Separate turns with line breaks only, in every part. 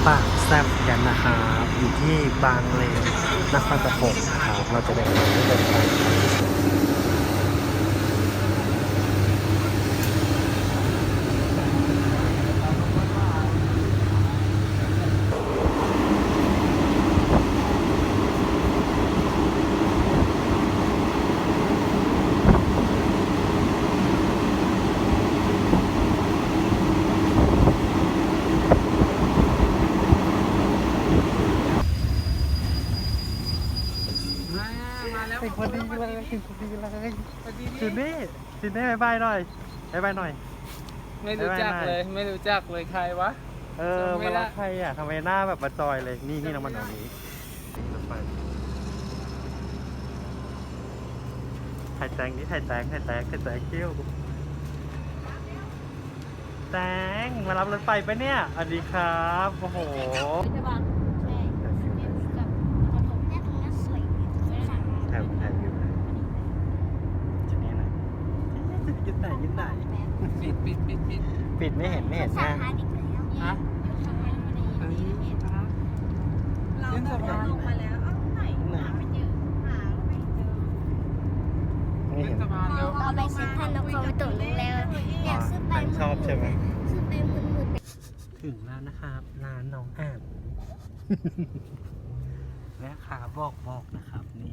ปากแซบกันนะครับอยู่ที่บางเลนนครปฐมนะครับเราจะเดินไปถึงพอดีเลยจุดนี้บายบายหน่อยบายบายหน่อย
ไม่รู้จักเลยไม่รู้จักเลยใครวะ
มารักใครอ่ะทำไมหน้าแบบมาจอยเลยนี่น้องมันตรงนี้ถ่ายแตงนี่ถ่ายแตงเกี้ยวแตงมารับรถไฟปะเนี่ยสวัสดีครับโอ้โหแถวอยู่จุดนี้ไหนยึดไหนปิดไม่เห็นหน้าฮะ
เราลงมาแล้วไหนหาไม่เจอหาไม่เจอ
ไม่เห็น
เราไปซื้อพันนกเขาไปตุ๋นแล้วอยากซื้อไป
ชอบใช่ไหม
ซื้อไปหมุน
ถึงแล้วนะครับร้านน้องอ่านแม่ค้าบอกนะครับนี่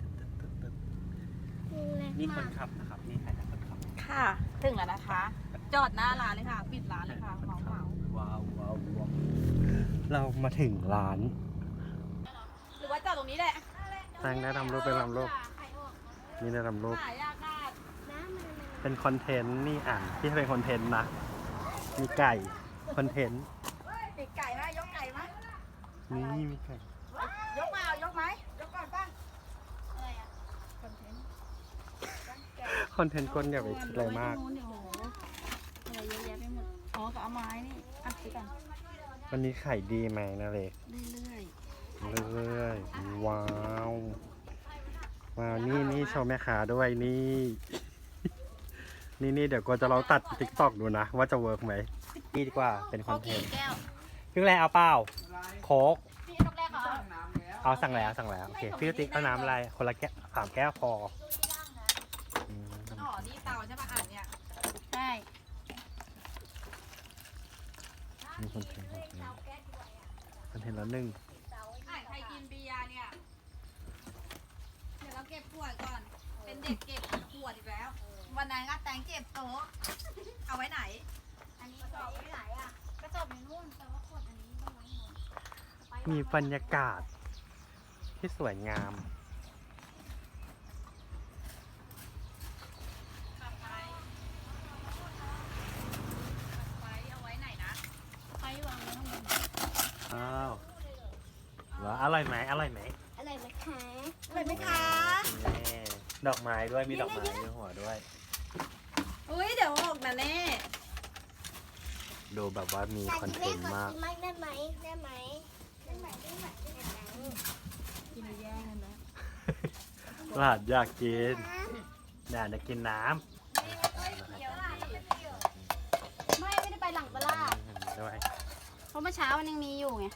นี่คนขับนะครับนี่ใครนะคนขับ
ค่ะ ถึงแล้วนะคะ จอดหน้าร้านเลยค่ะ ปิดร้านเลยค่ะเหมา
ว้าวเรามาถึงร้าน
หรือว่าจอดตรงนี้แหละ
แตงได้ทำรูปเป็นทำรูปนี่ได้ทำรูป
หายากมาก
เป็นคอนเทนต์นี่อ่านที่เป็นคอนเทนต์นะมีไก่คอนเทนต์
ปีกไก่ไหมยกไก่ไหม
นี่มีไก่
ยกมาเอายกไหมยกก่อนป้า
คอนเทนต์ก้นอย่าไปคิดอะไรมาก
อะไรเยอะแยะไปหมดอ๋อก็เอาไม้นี่อ่ะซื้อกัน
วันนี้ไข่ดีไหมนะเล็ก
เรื่อย
เรื่อยๆว้าวนี่โชว์แม่ค้าด้วยนี่ นี่เดี๋ยวก็จะเราตัดติ๊กตอกดูนะ ว่าจะเวิร์กไหมนี่ดีกว่าเป็นคอนเทนต์พี่แรกเอาเปล่าโค้ก
พี่นกแรกเหรอ
เอาสั่งแล้วโอเคพี่ติ๊กเอาน้ำอะไรคนละแก้ว3 แก้วพอ
อ๋อนี่เตาใช่ป่ะอ่านเนี่ยใช่
มีคอนเทนต์ละหนึ่ง
อ่านใครกินเบียร์เนี่ยเดี๋ยวเราเก็บขวดก่อนเป็นเด็กเก็บขวดอีกแล้ววันนั้นก็แตงเก็บโต๊ะเอาไว้ไหน
อันนี้จบไม่ไหนอ่ะกระจบในนู่นแต่ว่าขวดอันนี้ต้องไว้หมด
มีบรรยากาศที่สวยงาม
ไว้เอาไว้ไหนนะ
ไปวางไว้ข้างบน
อ้าวว่าอร่อยไหม
อะไรไหมคะ
เลยไหมคะ
นี่ดอกไม้ด้วยมีดอกไม้ในหัวด้วย
อุ้ยเดี๋ยวออกนะแน่
ดูแบบว่ามีคอนเทนต์มาก
ได้ไหมได้ไหม
กินแย่งกันแล้ว
หลานอยากกินหลานจะกินน้
ไม่ได้ไปหลังปลา
ำด้วย
เพราะเมื่อเช้ามันยังมีอยู่ไง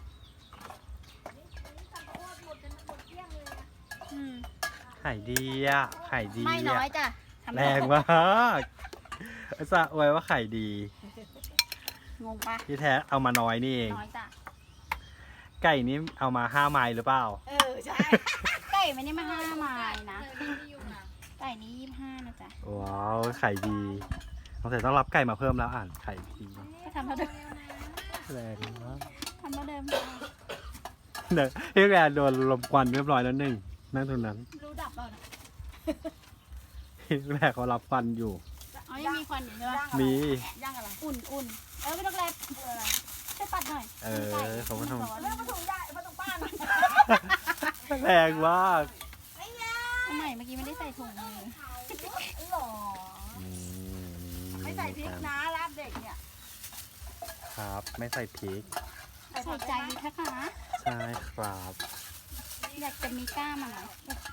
ไข่ดีอ่ะไข่ดี
ไม่น้อย
อ่ะ
จ้ะ
แรงมากสะอวยว่าไข่ดี
งงปะ
ที่แท้เอามาน้อยนี่เอง
น้อยจ้ะ
ไก่นี้เอามา5 ไม้หรือเปล่า
ใช่
ไก่ไม่ได้มา5 ไม้นะ ไก่นี้25นะจ๊ะ
ว้าวไข่ดีสงสัยต้องรับไก่มาเพิ่มแล้วอ่านไข่ดี
ก็ทำเท่าเดิม
แรงมาก
ทำเท่าเดิม
เดี๋ยวพี่แกโดนลมควันเรียบร้อยแล้วหนึ่งนั่งตรงนั้น
รู้ดับเปล่านะ
พี่แกเขารับควันอยู่
อ๋อยังมีควันอยู่ใช่ปะ
มี
ย่างอะไร
อุ่นไม่ต้องแลบอะไรให้ปัดหน่อย
เขาก็ท
เรื่องมาถุงใหญ่มาถุงป้าน
ำแรงมาก
ทำไมเมื่อกี้ไม่ได้ใส่ถุงมือ
หรอไม่ใส่พริกนะลาบเด็กเนี่ย
ครับ ไม่ใส่พริก
ใส่ใจดีนะคะ
ใช่ครับ
อยากจะมีกล้ามอะไร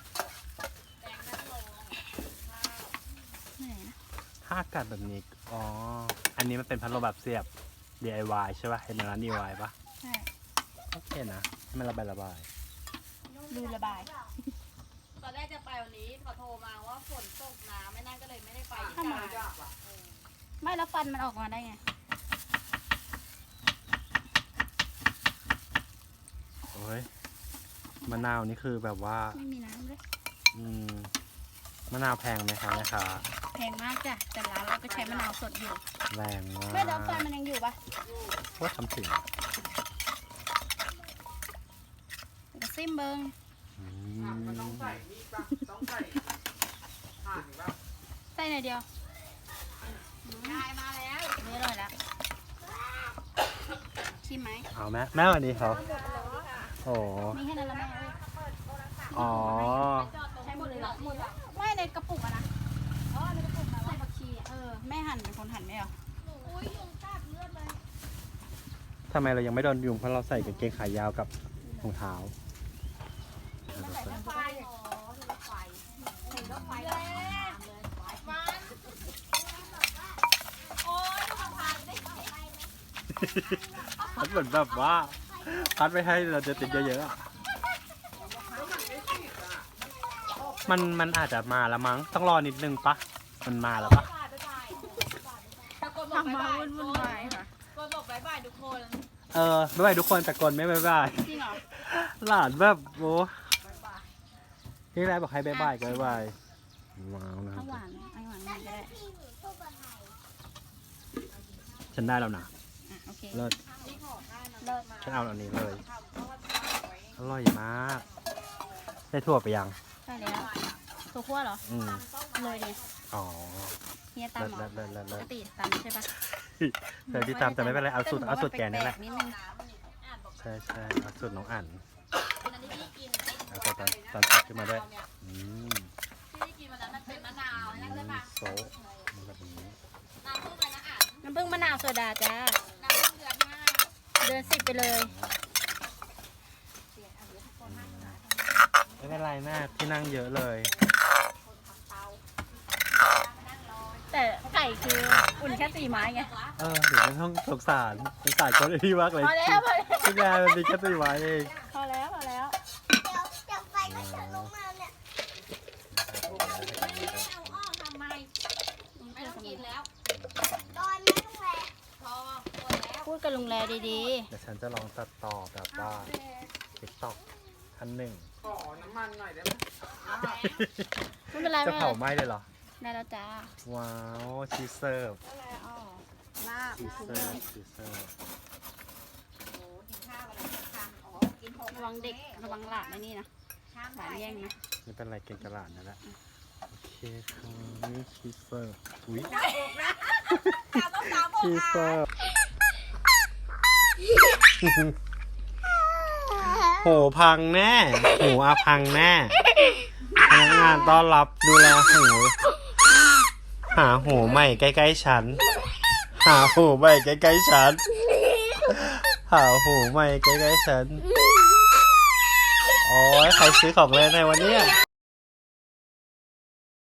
เหนื่อยนะ
ถ้าอากาศแบบนี้อ๋ออันนี้มันเป็นพัดลมแบบเสียบ DIY ใช่ป่ะเห็นในร้าน DIY ป่ะ
ใช่
โอเคนะให้มันระบาย
ดูระบาย
ตอนแรกจะไปวันนี้เขาโทรมาว่าฝนตกน้ำไม่นั่นก็เลยไม่ได้ไปอีก
ทำไมไม่แล้วฟันมันออกมาได้ไง
โอ้ยมะนาวนี่คือแบบว่า
ไม่มีน้ำเลย
อืมมะนาวแพงไหมคะแม่ค้า
แพงมากจ้ะแต่ร้านเราก็ใช้มะนาวสดอยู่
แรงมาก
ไม่แล้วฟันมันยังอยู่ปะ
ว่าทำถึง
เดี๋ยวซิมเบิง
อื
มันต้อง
ม
ใส่นี่ปะต้องใส่ถ่านปะ
ใส่หน่อยเดียว
ยายมาแล้ว
นี่อร่อยแล้วชิมไหม
เอาแม่วันนี้เขาโอ้
มีแค่นั้นแล้วแม่เอ้ย
อ๋อ
ใช้หมดเลยเหรอหมดแล้วไม่ในกระปุกอะนะในกระปุกแบบใส่ผักชีแม่หั่นเป็นคนหั่นไหมเหรอ
อุ้ยยุงกัดเลือดเลย
ทำไมเรายังไม่โดนยุงเพราะเราใส่กางเกงขายาวกับรองเท้า
ไฟอ๋อดูไฟเห็นว่าไฟเลยมันโอ้ยดูมันพันดิ
มันเหมือนแบบว่าพัดไม่ให้เราจะติดเยอะๆอะมันอาจจะมาแล้วมั้งต้องรอนิดนึงปะมันมาแล้วปะ
ตะโกนบอก
ทำ
บ๊าย
มา
บาย
วุ่นวายค่ะ
ตะโกนบอกบ๊ายบายทุกคน
บ๊ายบายทุกคนแต่กนไม่บ๊ายบาย
จริงเหรอ
หลานแบบโอ้ที่แรกบอกให้บ๊ายบายก็บ๊ายบายว้าวนะค
ข้า
รับ
วหวานไอหวานมันก็ได้
ฉันได้แล้วนะ
อ่ะโอเค
เลิศ
เลิศ
ฉันเอาอันนี้เลย อร่อยมากได้ทั่วไปยัง
ใช่แล้วตัวคั่วเหรอ
อืม
เลยดิ
อ๋อ
เฮีย
เลิศ
ตำเหร
เลิ
อ
ศเลิศเลิศ
ป
เลิ
ก
ศ
ติตำใช่ปะ
เดี๋ยวที่ตามแต่ไม่เป็นไรเอาสูตรแกนี่แหละ
นิดนึง
ใช่ใช่เอาสูตรน้องอั๋น
อันนี้ที่กิน
เอาตอนตัดขึ้นมาด้วยอืม
ที่กินวันนั้นมันเป็นมะนาวนั่นใช่ปะ
โซะมันแบบนี้
น้ำผึ้งอะไรนะอ่าน
น้ำผึ้งมะนาวโซดาจ้า
น้ำผึ้งเดือนห้า
เดือน10ไปเลย
ไม่เป็นไรแม่ที่นั่งเยอะเลย
แต่ไก่คืออุ่นแค่4 ไม้ไง
เดี๋ยวไม่ต้องสงสารคนที่มากเลย
พอแล้วพอแล้ว
ที่งานมันมีแค่4 ไม้เอง
พอแล้วพอแล้ว
เอาออกทำไมไม่ต้องกินแล้วพอหมดแล้ว
พูดกับลุงแลดี
เดี๋ยวฉันจะลองตัดต่อแบบว่า TikTok ท่านหนึ่ง
ขอน้ำมันหน่อยได้ไหม
ๆไม่เป็นไร
จะ
ไม่เป็น
เผา
ไร
ไหม้เลยเหรอ
ได้แล้วจ้า
ว้าวชีสเสิร์ฟ
ลาบ
ชีสเสิร์ฟชีสเสิร์ฟ
ระวังเด็กระวังหลานไอ้นี่นะหลานแย่งนะ
ไม่เป็นไรเก่งกระหลาดนั่นแหละโอเคค่ะนี่ชีสเสิร์ฟอุ้ย
ต้องตาม
ชีสเสิร์ฟโหพังแน่หูอาพังแน่พนักงานต้อนรับดูแลหูหาหูใหม่ใกล้ๆฉัน หาหูใหม่ใกล้ๆฉัน หาหูใหม่ใกล้ๆฉัน โอ้ยใครซื้อของเล่นในวันนี้